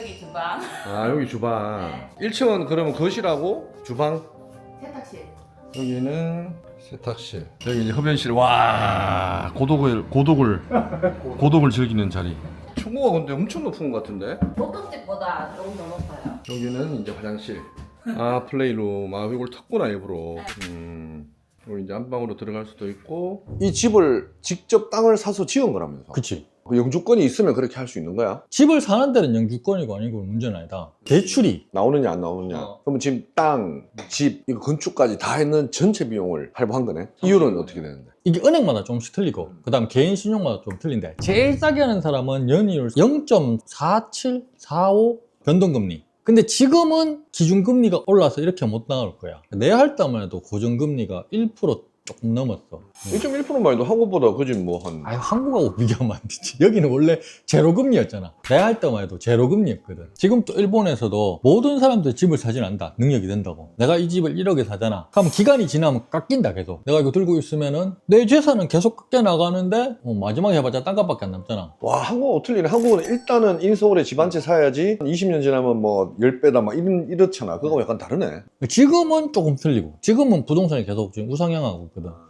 여기 주방. 아 여기 주방. 1층은 그러면 거실하고 주방. 세탁실. 여기는 세탁실. 여기 이제 흡연실. 와 고독을 즐기는 자리. 층고가 근데 엄청 높은 것 같은데. 보통 집보다 조금 더 높아요. 여기는 이제 화장실. 아 플레이룸. 아 이걸 탔구나 일부러. 여기 이제 안방으로 들어갈 수도 있고. 이 집을 직접 땅을 사서 지은 거라면서. 그치. 그 영주권이 있으면 그렇게 할 수 있는 거야? 집을 사는 데는 영주권이고 아니고 문제는 아니다. 대출이 나오느냐 안 나오느냐. 그러면 지금 땅, 집, 이거 건축까지 다 했는 전체 비용을 할부한 거네. 이유는 어떻게 되는데? 이게 은행마다 조금씩 틀리고 그 다음 개인 신용마다 좀 틀린데 제일 싸게 하는 사람은 연이율 0.47, 45 변동금리. 근데 지금은 기준금리가 올라서 이렇게 못 나올 거야. 내가 할 때만 해도 고정금리가 1% 조금 넘었어. 1.1%만 해도 한국보다 그지 뭐 한. 아유, 한국하고 비교하면 안 되지. 여기는 원래 제로금리였잖아. 내가 할 때만 해도 제로금리였거든. 지금 또 일본에서도 모든 사람들이 집을 사진 않는다. 능력이 된다고. 내가 이 집을 1억에 사잖아. 그럼 기간이 지나면 깎인다 계속. 내가 이거 들고 있으면은 내 재산은 계속 깎여 나가는데 마지막에 해봤자 땅값밖에 안 남잖아. 와, 한국은 틀리네. 한국은 일단은 인서울에 집 한 채 사야지 20년 지나면 뭐 10배다 막 이렇잖아. 그거 약간 다르네. 지금은 조금 틀리고 지금은 부동산이 계속 지금 우상향하고 있거든.